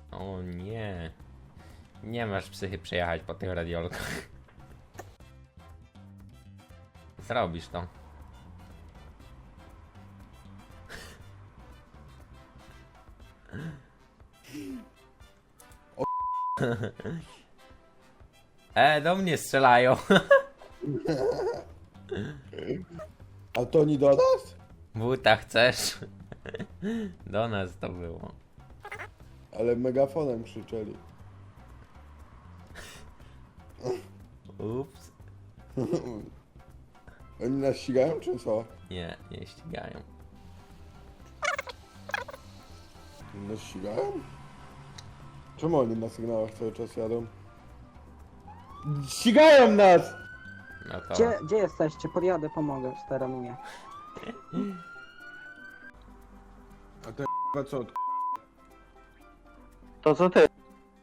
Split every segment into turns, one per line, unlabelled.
O nie. Nie masz psychy przejechać po tych radiolkach. Zrobisz to. Do mnie strzelają.
A to nie do nas?
Buta chcesz? Do nas to było.
Ale megafonem krzyczeli.
Ups.
Oni nas ścigają czy co?
Nie, nie ścigają.
Nas ścigają? Czemu oni na sygnałach cały czas jadą? Ścigają nas!
No to...
Gdzie jesteście? Podjadę, pomogę, steranuję.
A te k***a co?
To co ty?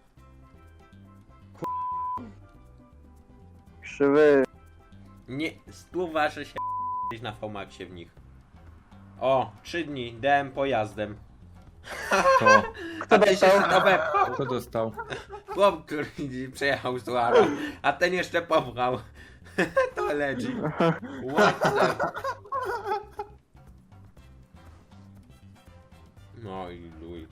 Krzywy.
Nie, wasze się na Fomaxie w nich. O, 3 dni, DM pojazdem.
To,
A ty się stopę.
kto dostał?
Chłop, który przejechał z Tuara, a ten jeszcze popchał. To leci. What the... No i luj.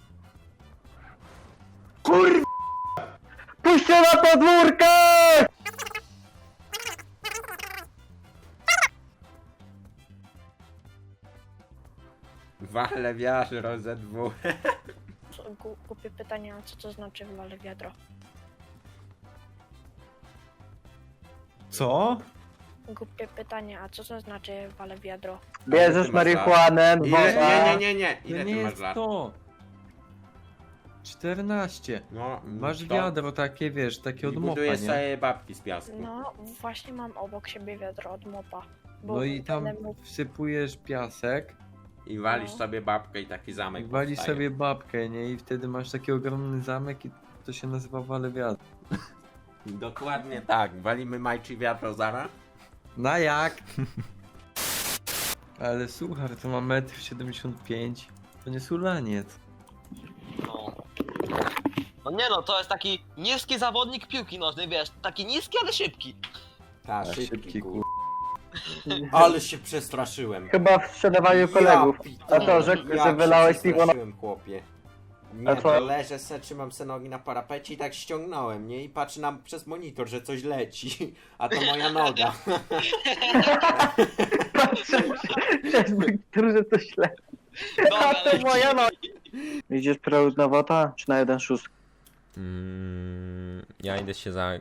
Puśćcie na podwórkę!
Wale wiatr ZW.
Głupie pytanie, a co to znaczy wale wiadro?
Co?
Głupie pytanie, a co to znaczy wale wiadro?
Bierzesz marihuanę,
Ile?
dwa.
Nie.
To
Ile
nie
ty masz
jest
lat?
to. 14.
No,
Masz
to-
wiadro takie, wiesz, takie
I
od mopa,
budujesz
nie?
sobie babki z piasku.
No, właśnie mam obok siebie wiadro od mopa.
No i tam
będę mógł-
wsypujesz piasek,
I walisz
No.
sobie babkę i taki zamek
walisz
powstaje.
sobie babkę, nie? I wtedy masz taki ogromny zamek i to się nazywa wale wiadro.
Dokładnie tak. Walimy Majczy wiatro zara.
Na jak? Ale słuchaj, to ma 1,75 m. To nie sulaniec.
No. No nie no, to jest taki niski zawodnik piłki nożnej, wiesz, taki niski, ale szybki.
Ta,
A,
szybki
szybki,
kur... Ale się przestraszyłem.
Chyba w sprzedawaniu kolegów. A to, że wylałeś piwo na...
przestraszyłem, chłopie. Nie,
A co?
to leżę se, trzymam se nogi na parapecie i tak ściągnąłem, nie? I patrzę przez monitor, że coś leci. A to moja noga.
Przez który, że to źle.
Dobra,
A to
leci.
moja no. Idziesz na wota, czy na 1,6?
Ja idę się za...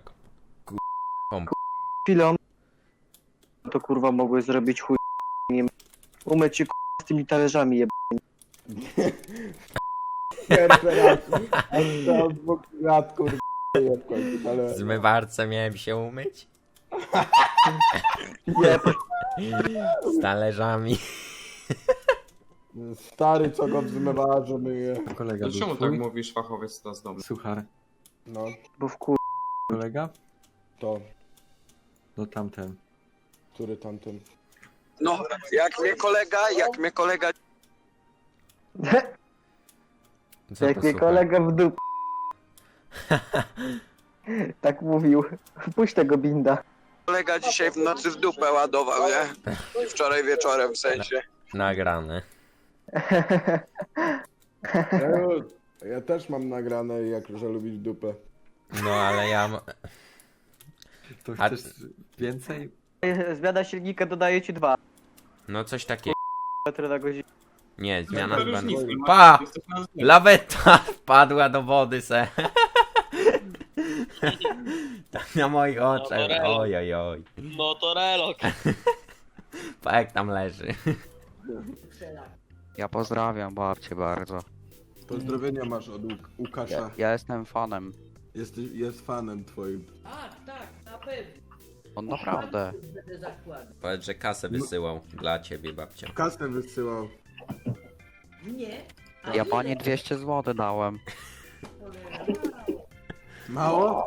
Chwilą. To kurwa mogłeś zrobić chuj. Nie umyć się z tymi talerzami jeb...
Pierwszy raz. A to od 2 lat kurde w końcu, ale...
Zmywarce miałem się umyć?
Nie,
Z talerzami.
Stary co go w zmywarze myje.
Kolega był
Czemu
twój?
tak mówisz, fachowiec to z domu?
Suchar.
No,
bo w kur...
Kolega?
to.
No tamten.
Który tamten?
No, jak mnie kolega
Co
Jak
to
mnie
słucha?
kolega w dup. Tak mówił. Puść tego binda.
dzisiaj w nocy w dupę ładował, nie? I wczoraj wieczorem w sensie.
Nagrane.
Ja też mam nagrane, jak że lubisz dupę.
No ale ja...
To
A-
chcesz więcej?
Zmiana silnika dodaje ci 2
No coś takiego.
metry na godzinę.
Nie, zmiana
To
chyba...
różnicy nie ma.
Pa!
Jesteś na zdjęciu.
Laweta wpadła do wody se. Tak na moich oczach.
Motorello.
Oj, oj, oj.
No to relok.
Pa jak tam leży.
Ja pozdrawiam babcię bardzo.
Pozdrowienia masz od Łukasza.
Ja jestem fanem.
Jest fanem twoim.
On naprawdę.
Powiedz, że kasę wysyłał dla ciebie, babcia.
Kasę wysyłał.
Ja pani 200 zł dałem.
Mało?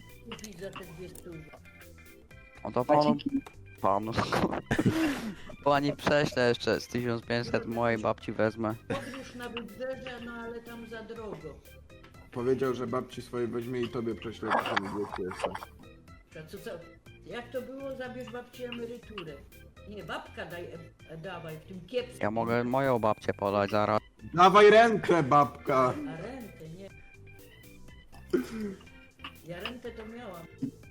O to panu. Pani prześlę jeszcze z 1500 mojej babci wezmę.
Podróż na wybrzeże, no ale tam za drogo.
Powiedział, że babci swojej weźmie i tobie prześle 1200 jeszcze.
Co? Jak to było? Zabierz babci emeryturę. Nie, babka dawaj, w tym kiepskim.
Ja mogę moją babcię podać zaraz.
Dawaj rękę, babka!
A rentę, nie. Ja rentę to miałam.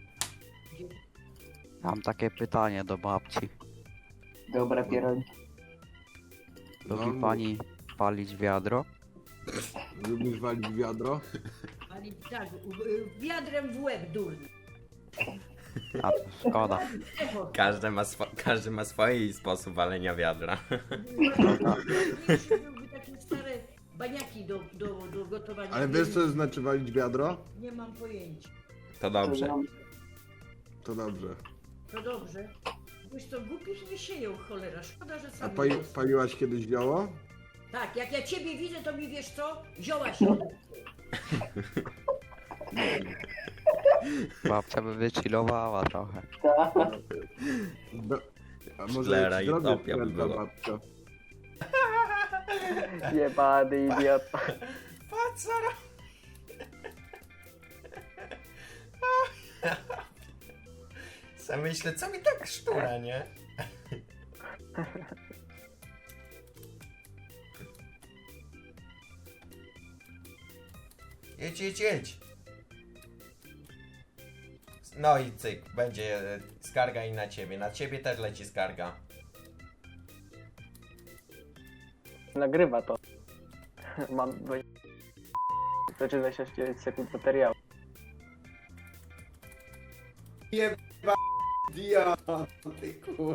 Mam takie pytanie do babci.
Dobra, pierogi.
Lubi
No,
pani palić wiadro?
Lubisz walić wiadro?
Ali tak, wiadrem w łeb durny.
A to szkoda.
Echo,
Każdy ma swój sposób walenia wiadra.
mniejszy byłby takie stare baniaki do gotowania.
Ale wiesz co znaczy walić wiadro?
Nie mam pojęcia.
To dobrze.
To dobrze.
To dobrze. Wiesz co, głupich nie sieją, cholera. Szkoda, że
A
sam
paliłaś kiedyś zioło?
Tak, jak ja ciebie widzę, to mi wiesz co? Zioła się.
Babcia by wychillowała trochę.
A może
Szklera
jak
i
zrobię
topia by
skręta,
było.
babcia?
Jebany idiota.
Patrz, Sam myślę, co mi tak sztura, nie? Jedź. No i cyk, będzie skarga i na ciebie. Na ciebie też leci skarga.
Nagrywa to. Mam 29 sekund materiału.
Dia, ty kur...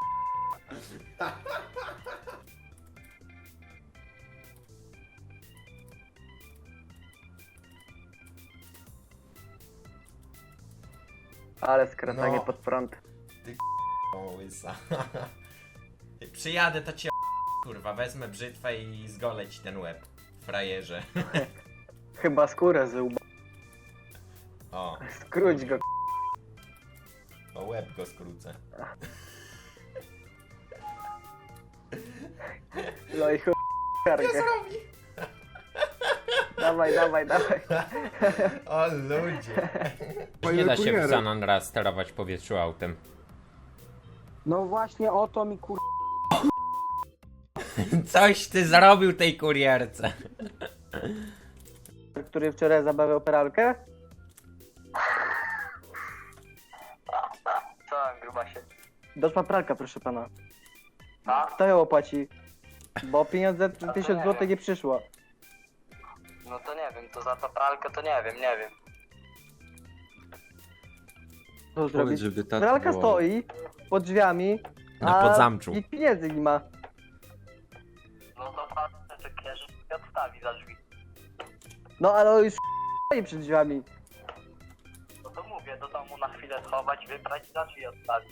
Ale skracanie
No.
pod prąd.
O, łysa. Przyjadę, to cię kurwa, wezmę brzytwę i zgolę ci ten łeb. Frajerze.
Chyba skórę z łba.
O,
Skróć go.
o łeb go skrócę.
No i chuj. Kargę. Dawaj.
O ludzie.
Panie
Nie da się w
kurierem.
San Andreas sterować w powietrzu autem.
No właśnie o to mi
Coś ty zrobił tej kurierce.
Który wczoraj zabawiał pralkę?
Co, gruba się?
Doszła pralka, proszę pana.
A?
Kto ją opłaci? Bo pieniądze 1000 zł nie przyszło.
No to nie wiem, to za tą pralkę to nie wiem.
Co
Powiedz,
zrobić?
żeby tata
Pralka
wołał.
stoi pod drzwiami,
Na
a
podzamczu.
nikt pieniędzy nie ma.
No to pan czekaj, że się odstawi za drzwi.
No ale on już stoi przed drzwiami.
No to mówię, do domu na chwilę schować, wybrać i za drzwi odstawić.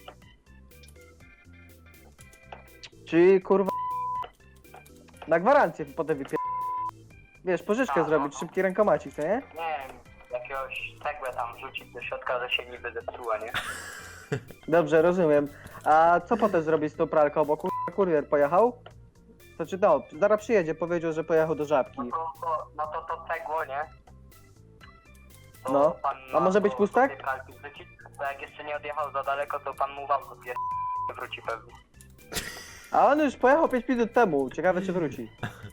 Czyli kurwa na gwarancję potem wypier... Wiesz, pożyczkę
A,
zrobić,
no.
szybki rękomacik, co nie?
Nie wiem, jakiegoś cegłę tam rzucić do środka, że się niby zepsuła, nie?
Dobrze, rozumiem. A co potem zrobić z tą pralką, bo kurwa kurier pojechał? Znaczy no, zaraz przyjedzie, powiedział, że pojechał do Żabki.
No to cegło, nie? To
No.
pan
A może być
do
pustak?
tej pralki wrzucić, to jak jeszcze nie odjechał za daleko, to pan mu w auto wróci pewnie.
A on już pojechał 5 minut temu, ciekawe czy wróci.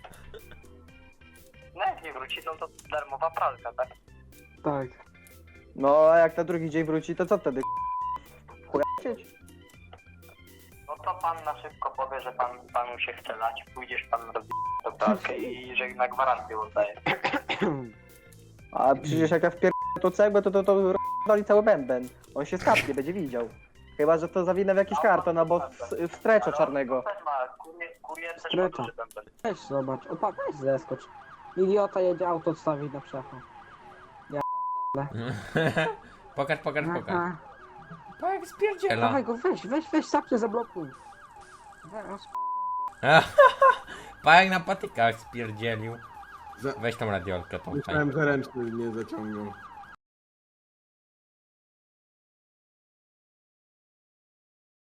No jak nie wróci, no to darmowa pralka, tak?
tak.
No a jak na drugi dzień wróci, to co wtedy? Chujacieć?
No to pan na szybko powie, że panu się chce lać, pójdziesz pan robić tą pralkę i że na gwarancję oddaje.
A przecież jak ja wpier... to cegłę, to rozdoli cały bęben. On się skapnie, będzie widział. Chyba, że to zawinę w jakiś karton albo w strecza czarnego.
Też ma, kurier też ma
Strecza.
duży bęben.
Weź zobacz, opa, weź zeskocz. Idiota jedzie auto odstawić na przechód.
Pokaż.
Aha.
Tak, spierdziela.
Dawaj go, weź, sapcie zablokuj. Zaraz.
Pajak na patykach spierdzielił.
Za-
Weź tą radiolkę tą.
Myślałem, że ręczny nie zaciągnął.